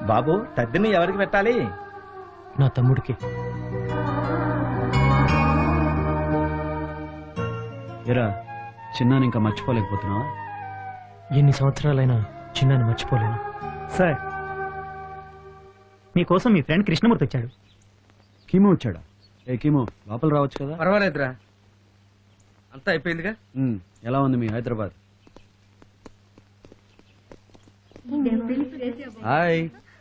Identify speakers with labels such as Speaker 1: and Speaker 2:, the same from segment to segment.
Speaker 1: బాబు తద్దిని ఎవరికి పెట్టాలి?
Speaker 2: నా తమ్ముడికి.
Speaker 3: ఎరా చిన్నాని ఇంకా మర్చిపోలేకపోతున్నావా?
Speaker 2: ఎన్ని సంవత్సరాలైనా చిన్నాన్ని మర్చిపోలేను.
Speaker 4: సార్, మీకోసం మీ ఫ్రెండ్ కృష్ణమూర్తి వచ్చాడు.
Speaker 3: కీమో వచ్చాడా? ఏ కీమో, లోపల రావచ్చు కదా.
Speaker 5: పర్వాలేదురా, అంతా అయిపోయిందిగా.
Speaker 3: ఎలా ఉంది మీ హైదరాబాద్? హాయ్.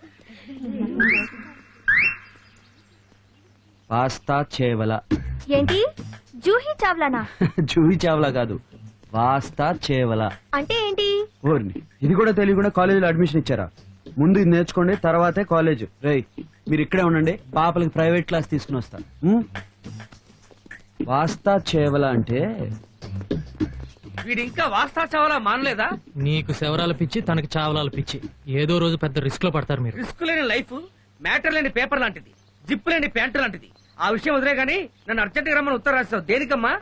Speaker 3: పాస్తా చేవల.
Speaker 6: ఏంటి జూహీ చావ్లానా?
Speaker 3: జూహీ చావలా కాదు, పాస్తా చేవల
Speaker 6: అంటే ఏంటి?
Speaker 3: ఓర్ని, ఇది కూడా తెలియకుండా కాలేజీలో అడ్మిషన్ ఇచ్చారా? ముందు ఇది నేర్చుకోండి, తర్వాతే కాలేజ్. రేయ్ మీరు ఇక్కడే ఉండండి, పాపలకి ప్రైవేట్ క్లాస్ తీసుకుని వస్తా. పాస్తా చేవల అంటే
Speaker 5: వీడు ఇంకా వాస్తా చావాలా మానలేదా?
Speaker 2: నీకు శవరాల పిచ్చి, తనకి చావలాల పిచ్చి. ఏదో రోజు పెద్ద రిస్క్ లో పడతారు మీరు.
Speaker 5: రిస్క్ లేని లైఫ్ మ్యాటర్ లేని పేపర్ లాంటిది, జిప్ లేని ప్యాంటు లాంటిది. ఆ విషయం వదిలే గానీ నన్ను అర్జెంట్ గా రమ్మని ఉత్తరం రాస్తావు దేనికమ్మా?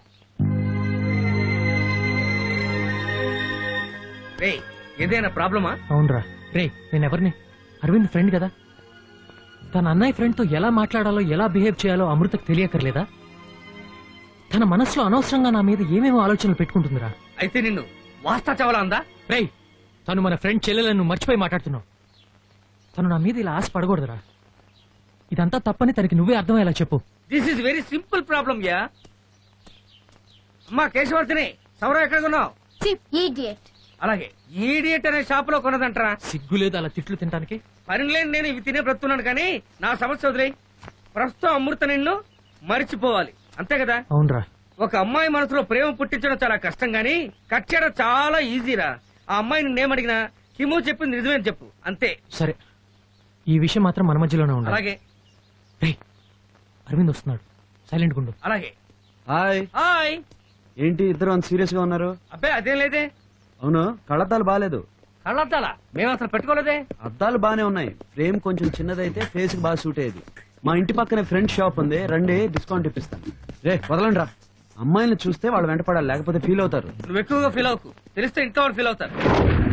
Speaker 5: రే ఏదైనా ప్రాబ్లమా?
Speaker 2: అవునరా. రే నేనెవరిని? అరవింద్ ఫ్రెండ్ కదా. తన అన్నయ్య ఫ్రెండ్ తో ఎలా మాట్లాడాలో, ఎలా బిహేవ్ చేయాలో అమృతకు తెలియకర్లేదా? తన మనసులో అనవసరంగా నా మీద ఏమేమో ఆలోచనలు పెట్టుకుంటుందిరా.
Speaker 5: అయితే నిన్ను వాస్తా చావాలా అందా?
Speaker 2: రేయ్ తను మన ఫ్రెండ్ చెల్లెలను మర్చిపోయి మాట్లాడుతున్నావు. తను నా మీద ఇలా ఆశ పడకూడదురా. ఇదంతా తప్పని తనకి నువ్వే అర్థమయ్యేలా చెప్పు.
Speaker 5: This is very simple problem యా. అమ్మా కేశవర్తిని, సౌర ఎక్కడ కొన్నావు? అలాగే ఈడియట్ అనే షాప్ లో కొన్నదంటరా.
Speaker 2: సిగ్గు లేదు అలా తిట్లు తినడానికి?
Speaker 5: పని లేని నేను ఇవి తినే బ్రతున్నాను కానీ నా సమస్య వదిలే. ప్రస్తుతం అమృత నిన్ను మరిచిపోవాలి అంతే కదా?
Speaker 2: అవునరా.
Speaker 5: ఒక అమ్మాయి మనసులో ప్రేమ పుట్టించడం చాలా కష్టం గానీ కట్ చేయడం చాలా ఈజీరా. ఆ అమ్మాయి నిన్నేమడిగినా హిమో చెప్పింది నిజమేని చెప్పు అంతే.
Speaker 2: సరే, ఈ విషయం మాత్రం మన మధ్యలోనే ఉండాలి.
Speaker 5: అలాగే.
Speaker 2: రేయ్ అరవింద్ వస్తున్నాడు, సైలెంట్ గుండు.
Speaker 5: అలాగే.
Speaker 3: హాయ్.
Speaker 5: హాయ్.
Speaker 3: ఏంటి ఇద్దరు అంత సీరియస్ గా ఉన్నారు?
Speaker 5: అబ్బాయి అదేం లేదే.
Speaker 3: అవును, కళ్ళద్దాలు బాగాలేదు.
Speaker 5: కళ్ళద్దాలా? మేము అసలు పెట్టుకోలేదే.
Speaker 3: అద్దాలు బానే ఉన్నాయి, ఫ్రేమ్ కొంచెం చిన్నదైతే ఫేస్ కి బాగా సూట్ అయ్యేది. మా ఇంటి పక్కనే ఫ్రెండ్ షాప్ ఉంది, రండి డిస్కౌంట్ ఇప్పిస్తాను. రే వదలండి రా, అమ్మాయిని చూస్తే వాళ్ళు వెంటపడాలి, లేకపోతే ఫీల్ అవుతారు.
Speaker 5: నువ్వు ఎక్కువగా ఫీల్ అవ్వకు, తెలిస్తే ఇంట్లో వాళ్ళు ఫీల్ అవుతారు.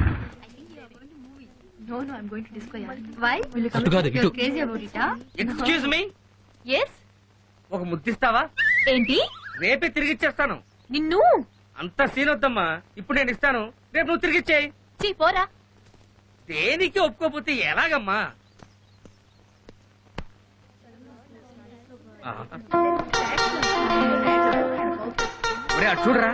Speaker 2: అటు కాదు, ఇటు.
Speaker 5: ఎక్స్క్యూజ్ మీ, ఒక ముద్దిస్తావా?
Speaker 6: ఏంటి?
Speaker 5: రేపే తిరిగిచ్చేస్తాను.
Speaker 6: నిన్ను
Speaker 5: అంత సీన్ వద్దమ్మా, ఇప్పుడు నేను ఇస్తాను, రేపు నువ్వు తిరిగిచ్చేయి.
Speaker 6: పోరా.
Speaker 5: దేనికి ఒప్పుకోపోతే ఎలాగమ్మా? ఒరే అటు చూడరా.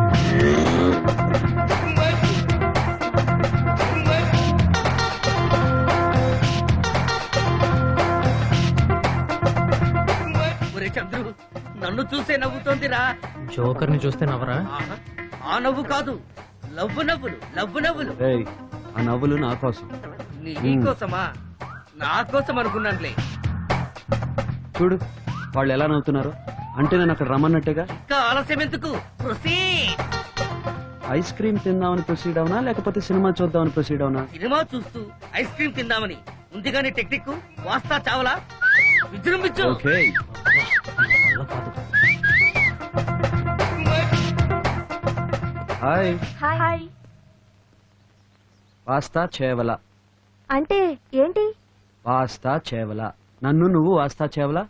Speaker 5: ఒరే చంద్రు, నన్ను చూసే నవ్వుతోందిరా.
Speaker 2: జోకర్ ని చూస్తే నవ్వరా?
Speaker 5: ఆహా, ఆ నవ్వు కాదు, లవ్వు నవ్వులు, లవ్వు నవ్వులు.
Speaker 3: రేయ్ ఆ నవ్వులు నా కోసం.
Speaker 5: నీకోసమా? నా కోసం అనుకున్నానులే.
Speaker 3: చూడు వాళ్ళు ఎలా నవ్వుతున్నారు, అంటే నేను అక్కడ రమ్మన్నట్టుగా.
Speaker 5: ఇంకా ఆలస్యం ఎందుకు? ప్రొసీడ్.
Speaker 3: ఐస్ క్రీమ్ తిందామని ప్రొసీడ్ అవునా, లేకపోతే సినిమా చూద్దామని ప్రొసీడ్ అవునా?
Speaker 5: సినిమా చూస్తూ ఐస్ క్రీమ్ తిందామని ఉంది గానీ టెక్నిక్ వాస్తా చావలా. విజృంభించు.
Speaker 3: ఓకే.
Speaker 2: వల్ల కాదు.
Speaker 3: హాయ్.
Speaker 6: హాయ్.
Speaker 3: పాస్తా చేవల
Speaker 6: అంటే ఏంటి?
Speaker 3: పాస్తా చేవల. నన్ను నువ్వు వాస్తా చేవలా?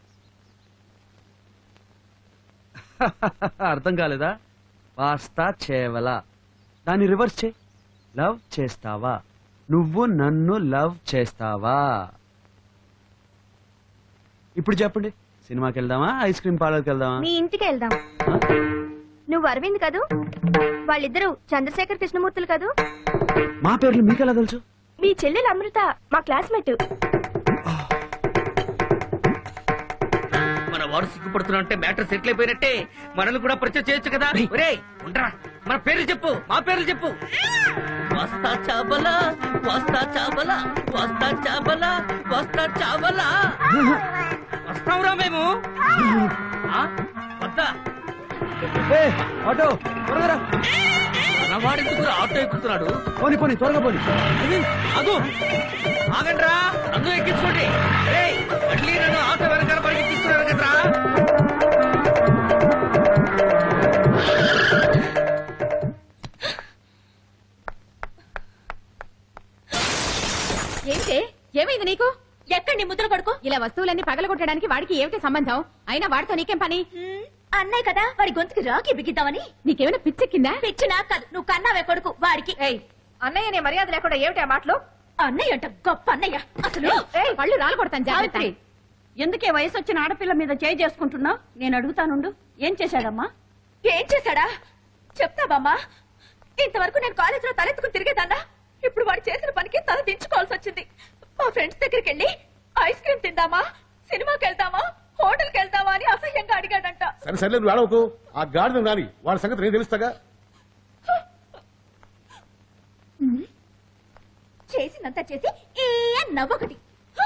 Speaker 3: అర్థం కాలేదా? పాస్తా చేవల, దాన్ని రివర్స్ చే. లవ్ చేస్తావా? నువ్వు నన్ను లవ్ చేస్తావా? ఇప్పుడు చెప్పండి, సినిమాకి వెళ్దామా, ఐస్ క్రీమ్ పార్లర్కి వెళ్దామా?
Speaker 6: మీ ఇంటికి వెళ్దాం. నువ్వు అరవింద్ కదూ? వాళ్ళిద్దరూ చంద్రశేఖర్ కృష్ణమూర్తులు కదూ?
Speaker 3: మా పేర్లు మీకెలా తెలుసు?
Speaker 6: మీ చెల్లెలు అమృత మా క్లాస్మేట్.
Speaker 5: మన వాడు సిగ్గుపడుతున్నా అంటే మ్యాటర్ సెటిల్ అయిపోయినట్టే. మనల్ని కూడా పరిచయం చేయొచ్చు కదా. ఒరేయ్ ఉండరా, మన పేర్లు చెప్పు, మా పేర్లు చెప్పు. వస్తా చాబలా, వస్తా చాబలా, వస్తా చాబలా, వస్తా చాబలా. వస్తావురా మేము? వద్దా?
Speaker 3: ఆటో త్వరగా రా.
Speaker 5: మన వాడెందుకు ఆటో ఎక్కుతున్నాడు?
Speaker 3: పోనీ పోనీ త్వరగా పోనీ.
Speaker 5: అదు ఆగండ్రా, నన్ను ఎక్కించుకోండి. మళ్ళీ నన్ను ఆటో వెనకాల పడి ఎక్కిస్తున్నారు కదరా.
Speaker 6: ఏంటే
Speaker 7: ఏమైంది నీకు ఎక్కడ నీ ముద్ర కొడుకు ఇలా వస్తువులన్నీ పగలగొట్టడానికి వాడికి ఏమిటి సంబంధం అయినా వాడితో నీకేం పని
Speaker 6: అన్నయ్య కదా వాడి గొంతుకి రాకి బిగిద్దామని.
Speaker 7: నీకేమైనా పిచ్చెక్కిందా
Speaker 6: పిచ్చి నాకు కాదు, నువ్వు కన్నావే కొడుకు వాడికి.
Speaker 7: అన్నయ్య నీ మర్యాద లేకుండా ఏమిటి ఆ మాటలు
Speaker 6: అన్నయ్య అంట గొప్ప అన్నయ్య. అసలు
Speaker 7: పళ్ళు రాలు కొడతాను జాగ్రత్త
Speaker 8: ఎందుకే వయసు వచ్చిన ఆడపిల్ల మీద చేయి చేసుకుంటున్నావు? నేను అడుగుతానుండు, ఏం చేశాడమ్మా?
Speaker 6: ఏం చేశాడా చెప్తావమ్మా? ఇంతవరకు నేను కాలేజీలో తలెత్తుకుని తిరిగేదాన్నా. ఇప్పుడు వాడు చేసిన పనికి తల దించుకోవాల్సి వచ్చింది. మా ఫ్రెండ్స్ దగ్గరికి వెళ్ళి ఐస్ క్రీమ్ తిందామా, సినిమాకి వెళ్తామా, హోటల్కి వెళ్తామా అని అసహ్యంగా అడిగాడంట.
Speaker 9: సరే సరే నువ్వు ఏడవకు. ఆ గాడిద రాని వాడి సంగతి నేను తెలుస్తాగా.
Speaker 6: చేసినంత చేసి ఏ నవ్వొకటి.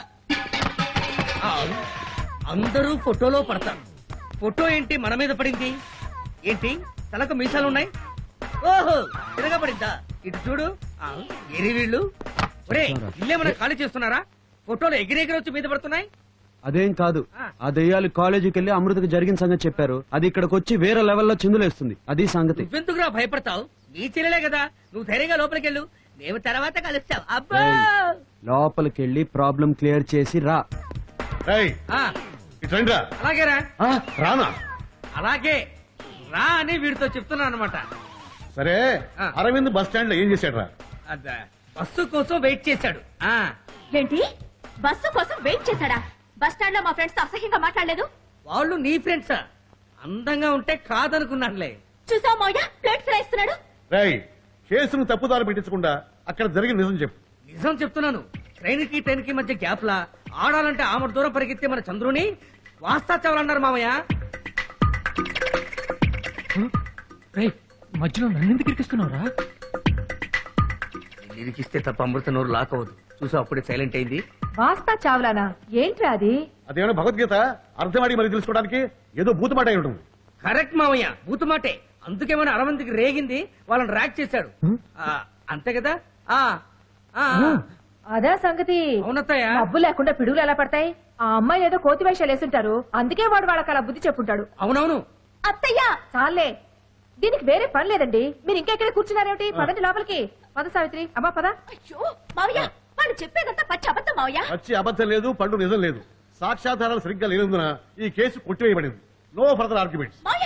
Speaker 5: అందరూ ఫోటోలో పడతారు. ఫోటో ఏంటి మన మీద పడింది? ఏంటి తలకు మీసాలున్నాయి? ఓహో తిరగబడిందా? ఇటు చూడు. ఎరి వీళ్ళు ఒరే ఇల్లేమన్నా ఖాళీ చేస్తున్నారా? ఫోటోలు ఎగిరెగిరి వచ్చి మీద పడుతున్నాయి.
Speaker 3: అదేం కాదు, ఆ దెయ్యాలు కాలేజీకి వెళ్ళి అమృతకి జరిగిన సంగతి చెప్పారు. అది ఇక్కడికి వచ్చి వేరే లెవెల్లో చిందులేస్తుంది. అది సంగతి.
Speaker 5: నువ్వెందుకురా భయపడతావు? నీ చెల్లెలే కదా, నువ్వు ధైర్యంగా లోపలికి వెళ్ళు. మేము తర్వాత కలుస్తాం. అబ్బా
Speaker 3: లోపలికి వెళ్ళి ప్రాబ్లం క్లియర్ చేసి రా.
Speaker 9: ఏయ్,
Speaker 5: ఆ,
Speaker 9: ఇటు రండిరా.
Speaker 5: అలాగేరా.
Speaker 9: ఆ, రానా?
Speaker 5: అలాగే రా అని వీడితో చెప్తున్నా అనమాట.
Speaker 9: సరే
Speaker 5: ఆ.
Speaker 9: అరవింద్ బస్ స్టాండ్ లో ఏం చేశాడు రా?
Speaker 5: బస్సు కోసం వెయిట్ చేశాడు. ఆ
Speaker 6: ఏంటి బస్సు కోసం వెయిట్ చేశాడా? బస్ స్టాండ్ లో మా ఫ్రెండ్స్ తో అసహ్యంగా మాట్లాడలేదు.
Speaker 5: వాళ్ళు నీ ఫ్రెండ్సా? అందంగా ఉంటే కాదనుకున్నానులే.
Speaker 6: చూసావు మౌయ ప్లేట్స్ రాయిస్తున్నాడు.
Speaker 9: రేయ్, కేసును తప్పుదారి పెట్టించకుండా అక్కడ జరిగిన నిజం చెప్పు.
Speaker 5: నిజం చెప్తున్నాను. ట్రైన్ కి మధ్య గ్యాప్ లా ఆడాలంటే ఆమె దూరం పరిగెత్తే మన చంద్రుని వాస్తా చావాలన్నారు మామయ్య.
Speaker 2: రేయ్ మధ్యలో నన్నెందుకు ఇరికిస్తున్నావురా?
Speaker 5: ఇరికిస్తే తప్ప అమృత నోరు లాక్ అవ్వదు. చూసా అప్పుడే సైలెంట్ అయింది.
Speaker 7: వాస్తా చావులానా ఏంట్రా అది?
Speaker 9: అదేమైనా భగవద్గీత అర్థమాడి మరి తెలుసుకోవడానికి ఏదో బూతుమాట అయి ఉంటుంది.
Speaker 5: కరెక్ట్ మామయ్య, బూతుమాటే. అందుకేమైనా అరవంతికి రేగింది, వాళ్ళని ర్యాక్ చేశాడు. అంతే కదా? ఆ ఆ
Speaker 7: అదే సంగతి.
Speaker 5: అవునత్తయ్య.
Speaker 7: డబ్బు లేకుండా పిడుగులు ఎలా పడతాయి? ఆ అమ్మాయి ఏదో కోతి వేషాలు వేసుంటారు, అందుకే వాడు వాళ్ళకి అలా బుద్ధి చెప్పుంటాడు.
Speaker 5: అవునవును.
Speaker 6: అత్తయ్య
Speaker 7: చాలే, దీనికి వేరే పని లేదండి. మీరు ఇంకా ఇక్కడ కూర్చున్నారేమిటి? పదండి లోపలికి. పద సావిత్రి. అమ్మా పద.
Speaker 6: అయ్యో మావయ్య వాడు చెప్పేదంతా పచ్చి అబద్ధం మావయ్య.
Speaker 9: వచ్చి అబద్ధం లేదు, పండు నిజం లేదు. సాక్ష్యాధారాలు సరిగ్గా లేనందున ఈ కేసు కొట్టివేయబడింది. No further arguments.
Speaker 6: మావయ్య